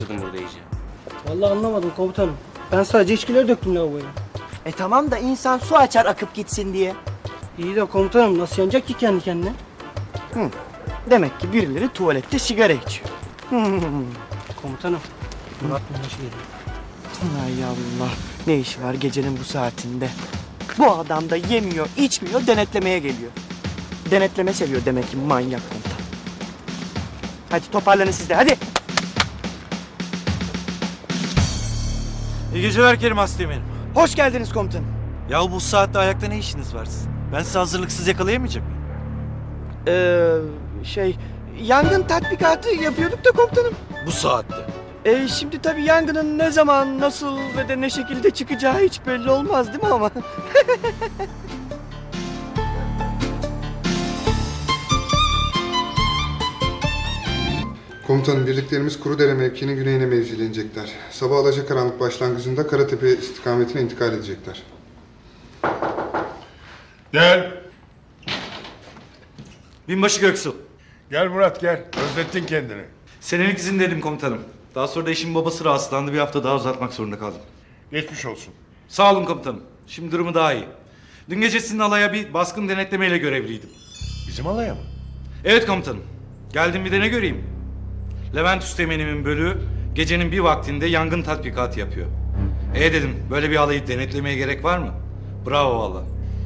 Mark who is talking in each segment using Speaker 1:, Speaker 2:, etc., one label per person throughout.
Speaker 1: burada iyice.
Speaker 2: Vallahi anlamadım komutanım. Ben sadece içkileri döktüm lavaboya.
Speaker 3: Tamam da insan su açar akıp gitsin diye.
Speaker 2: İyi de komutanım nasıl yanacak ki kendi kendine?
Speaker 3: Demek ki birileri tuvalette sigara içiyor.
Speaker 2: Komutanım. Murat Münhaş geliyor.
Speaker 3: Ay Allah, ne işi var gecenin bu saatinde? Bu adam da yemiyor, içmiyor, denetlemeye geliyor. Denetleme seviyor demek ki manyak komutan. Hadi toparlanın siz de, hadi.
Speaker 4: İyi geceler Kerim Asteğmen'im.
Speaker 3: Hoş geldiniz komutanım.
Speaker 4: Ya bu saatte ayakta ne işiniz var sizin? Ben sizi hazırlıksız yakalayamayacak mıyım?
Speaker 3: Yangın tatbikatı yapıyorduk da komutanım.
Speaker 4: Bu saatte.
Speaker 3: Şimdi tabii yangının ne zaman, nasıl ve de ne şekilde çıkacağı hiç belli olmaz değil mi ama?
Speaker 5: Komutanım, birliklerimiz Kurudere mevkiinin güneyine mevzilenecekler. Sabah alacakaranlık başlangıcında Karatepe istikametine intikal edecekler.
Speaker 6: Gel.
Speaker 4: Binbaşı Göksu.
Speaker 6: Gel Murat gel. Özlettin kendini.
Speaker 4: Senelik izindeydim komutanım. Daha sonra da eşimin babası rahatsızlandı. Bir hafta daha uzatmak zorunda kaldım.
Speaker 6: Geçmiş olsun.
Speaker 4: Sağ olun komutanım. Şimdi durumu daha iyi. Dün gece sizin alaya bir baskın denetlemeyle görevliydim.
Speaker 6: Bizim alaya mı?
Speaker 4: Evet komutanım. Geldim bir de ne göreyim? Levent Üsteğmen'imin bölüğü gecenin bir vaktinde yangın tatbikatı yapıyor. Dedim, böyle bir alayı denetlemeye gerek var mı? Bravo valla.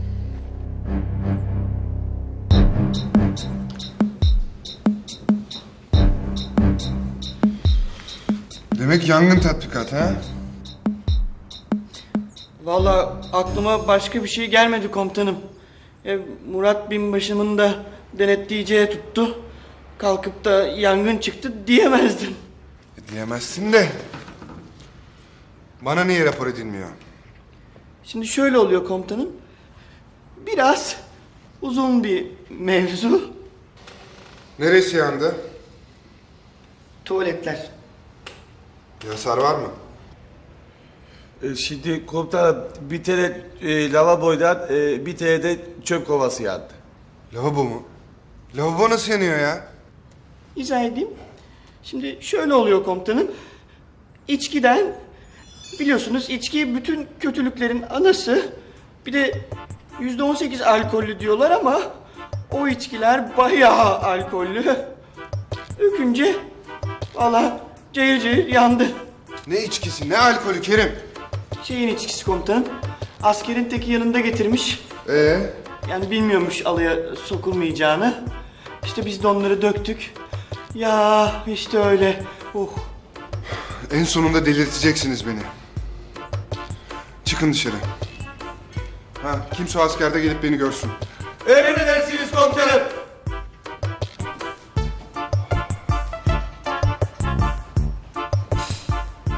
Speaker 5: Demek yangın tatbikatı ha?
Speaker 3: Vallahi aklıma başka bir şey gelmedi komutanım. Murat binbaşımın da denetleyeceği tuttu. Kalkıp da yangın çıktı diyemezdim.
Speaker 5: Diyemezsin de. Bana niye rapor edilmiyor?
Speaker 3: Şimdi şöyle oluyor komutanım. Biraz uzun bir mevzu.
Speaker 5: Neresi yandı?
Speaker 3: Tuvaletler.
Speaker 5: Bir hasar var mı?
Speaker 7: Şimdi komutanım bir tane lavaboydan bir tane de çöp kovası yandı.
Speaker 5: Lavabo mu? Lavabo nasıl yanıyor ya?
Speaker 3: İzah edeyim. Şimdi şöyle oluyor komutanım. İçkiden, biliyorsunuz içki bütün kötülüklerin anası. Bir de %18 alkollü diyorlar ama o içkiler bayağı alkollü. Dökünce valla cayır cayır yandı.
Speaker 5: Ne içkisi, ne alkolü Kerim?
Speaker 3: Şeyin içkisi komutanım. Askerin teki yanında getirmiş. Yani bilmiyormuş alaya sokulmayacağını. İşte biz de onları döktük. Ya işte öyle.
Speaker 5: En sonunda delirteceksiniz beni. Çıkın dışarı. Kimse o askerde gelip beni görsün.
Speaker 7: Emredersiniz komutanım.